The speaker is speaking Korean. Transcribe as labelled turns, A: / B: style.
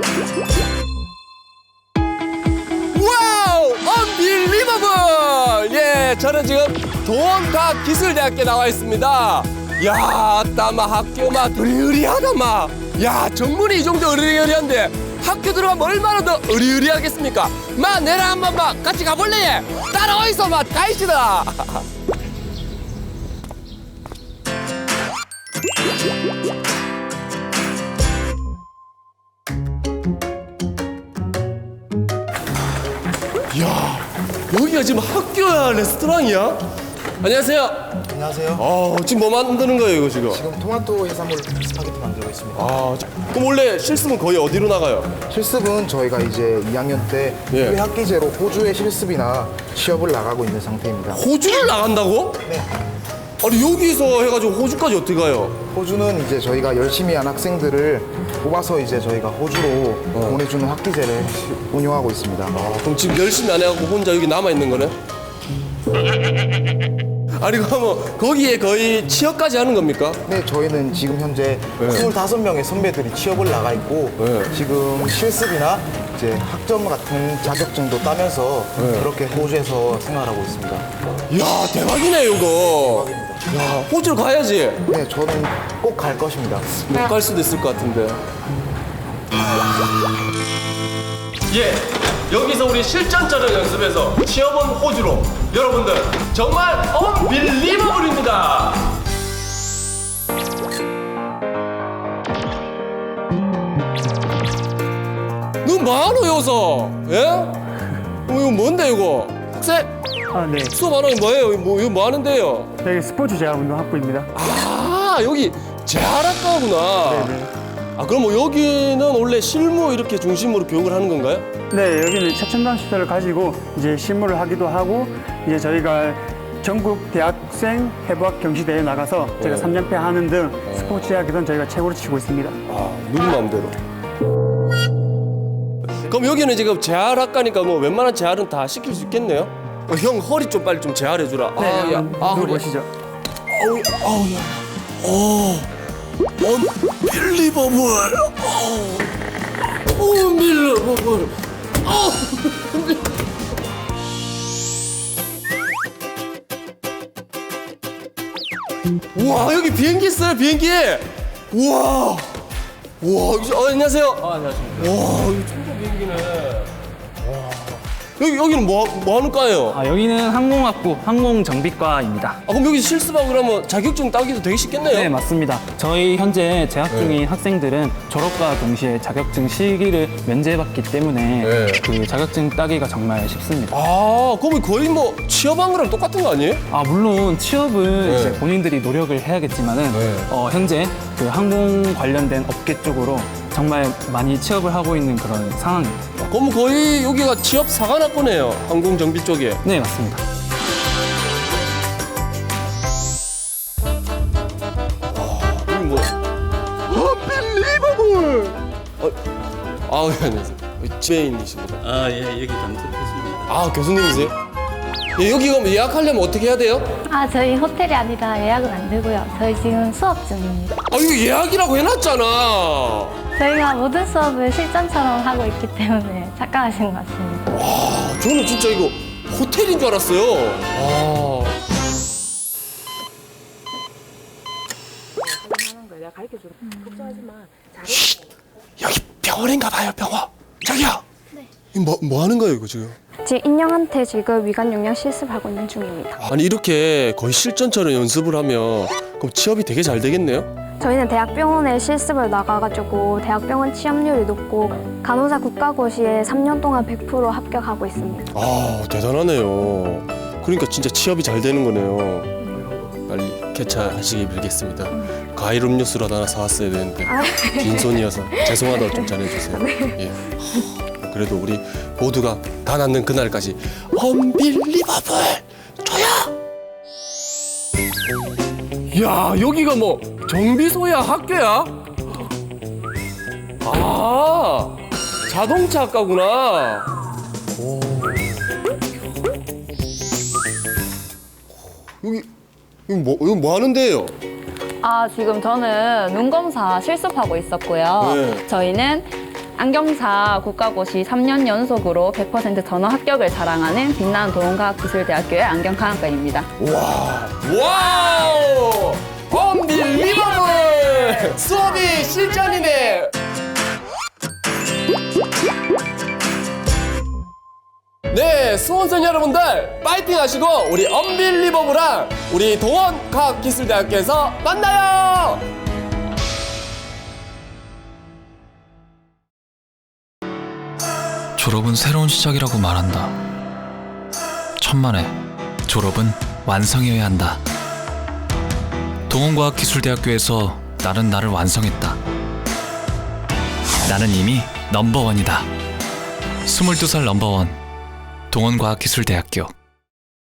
A: 와우! 언빌리버블! 예, 저는 지금 동원과학기술대학교에 나와 있습니다. 야, 따마 학교마 으리으리하다마. 야, 정문이 이 정도 으리으리한데 학교 들어가면 얼마나 더 으리으리하겠습니까? 마, 내랑 한번 마 같이 가볼래? 따라와 있어, 마, 가이시다. 야, 여기가 지금 학교야, 레스토랑이야? 안녕하세요.
B: 안녕하세요.
A: 지금 뭐 만드는 거예요, 이거 지금?
B: 지금 토마토 해산물 스파게티 만들고 있습니다.
A: 그럼 원래 실습은 거의 어디로 나가요?
B: 실습은 저희가 이제 2학년 때
A: 예.
B: 학기제로 호주에 실습이나 취업을 나가고 있는 상태입니다.
A: 호주를 나간다고?
B: 네.
A: 아니, 여기서 해가지고 호주까지 어떻게 가요?
B: 호주는 이제 저희가 열심히 한 학생들을 뽑아서 이제 저희가 호주로 보내주는 학기제를 운영하고 있습니다.
A: 그럼 지금 열심히 안 해갖고 혼자 여기 남아있는 거네? 아니, 그러면 거기에 거의 취업까지 하는 겁니까?
B: 네, 저희는 지금 현재 25명의 선배들이 취업을 나가 있고
A: 네.
B: 지금 실습이나 이제 학점 같은 자격증도 따면서 그렇게 호주에서 생활하고 있습니다.
A: 이야, 대박이네, 이거. 야, 호주로 가야지.
B: 네, 저는 꼭 갈 것입니다.
A: 못 갈 수도 있을 것 같은데. 예, 여기서 우리 실전처럼 연습해서 취업은 호주로. 여러분들 정말 언빌리버블입니다. 너 뭐하노 여기서? 예? 이거 뭔데 이거? 학생
C: 네.
A: 수업 안 하면 뭐예요? 이거 뭐 하는데요?
C: 여기 스포츠 재활운동 학부입니다.
A: 여기 재활학과구나.
C: 네네.
A: 그럼 뭐 여기는 원래 실무 이렇게 중심으로 교육을 하는 건가요?
C: 네, 여기는 최첨단 시설을 가지고 이제 실무를 하기도 하고 이제 저희가 전국 대학생 해부학 경시대회에 나가서 저희가 3연패 하는 등 스포츠 대학에서는 저희가 최고로 치고 있습니다.
A: 누구 마음대로. 그럼 여기는 지금 재활학과니까 뭐 웬만한 재활은 다 시킬 수 있겠네요? 형 허리 좀 빨리 좀 재활해 주라.
C: 네,
A: 야, 허리.
C: 보시죠.
A: 언빌리버블. 언빌리버블. 우와, 여기 비행기 있어요, 비행기. 우와. 우와, 안녕하세요.
D: 안녕하십니까.
A: 와, 이거 천국 비행기네. 여기는 뭐 하는 과예요?
D: 여기는 항공학부 항공정비과입니다.
A: 그럼 여기 실습하고 그러면 자격증 따기도 되게 쉽겠네요?
D: 네, 맞습니다. 저희 현재 재학 중인 학생들은 졸업과 동시에 자격증 실기를 면제받기 때문에
A: 네.
D: 그 자격증 따기가 정말 쉽습니다.
A: 그러면 거의 뭐 취업한 거랑 똑같은 거 아니에요?
D: 물론 취업은
A: 네.
D: 이제 본인들이 노력을 해야겠지만은
A: 네.
D: 현재 그 항공 관련된 업계 쪽으로 정말 많이 취업을 하고 있는 그런 상황입니다.
A: 그럼 거의 여기가 취업 사관학과네요, 항공정비 쪽에.
D: 네, 맞습니다.
A: 여기 뭐? 언빌리버블! 예, 안녕하세요. 지배인이십니다.
E: 예, 여기 감독했습니다.
A: 교수님이세요? 예, 여기 그럼 예약하려면 어떻게 해야 돼요?
F: 저희 호텔이 아니라 예약은 안 되고요. 저희 지금 수업 중입니다.
A: 이거 예약이라고 해놨잖아.
F: 저희가 모든 수업을 실전처럼 하고 있기 때문에 착각하신 것 같습니다.
A: 저는 진짜 이거 호텔인 줄 알았어요. 여기 병원인가 봐요, 병원. 자기야. 네. 뭐 하는 거예요, 이거 지금?
G: 제 인형한테 지금 위관 영양 실습하고 있는 중입니다.
A: 아니, 이렇게 거의 실전처럼 연습을 하면 그럼 취업이 되게 잘 되겠네요?
G: 저희는 대학병원에 실습을 나가가지고 대학병원 취업률이 높고 간호사 국가고시에 3년 동안 100% 합격하고 있습니다.
A: 대단하네요. 그러니까 진짜 취업이 잘 되는 거네요. 빨리 쾌차하시길 빌겠습니다. 과일 음료수라도 하나 사왔어야 되는데 빈손이어서 죄송하다고 좀 전해주세요. 예. 그래도 우리 모두가 다 낫는 그날까지 언빌리버블 줘요. 야, 여기가 뭐 정비소야, 학교야? 자동차 학과구나. 여기 뭐 하는데요?
H: 지금 저는 눈검사 실습하고 있었고요.
A: 네.
H: 저희는 안경사 국가고시 3년 연속으로 100% 전원 합격을 자랑하는 빛나는 동원과학기술대학교의 안경화학과입니다.
A: 와우! 언빌리버블! 수업이 실전이네! 네, 수험생 여러분들 파이팅 하시고 우리 언빌리버블랑 우리 동원과학기술대학교에서 만나요!
I: 졸업은 새로운 시작이라고 말한다. 천만에 졸업은 완성이어야 한다. 동원과학기술대학교에서 나는 나를 완성했다. 나는 이미 넘버원이다. 22살 넘버원 동원과학기술대학교.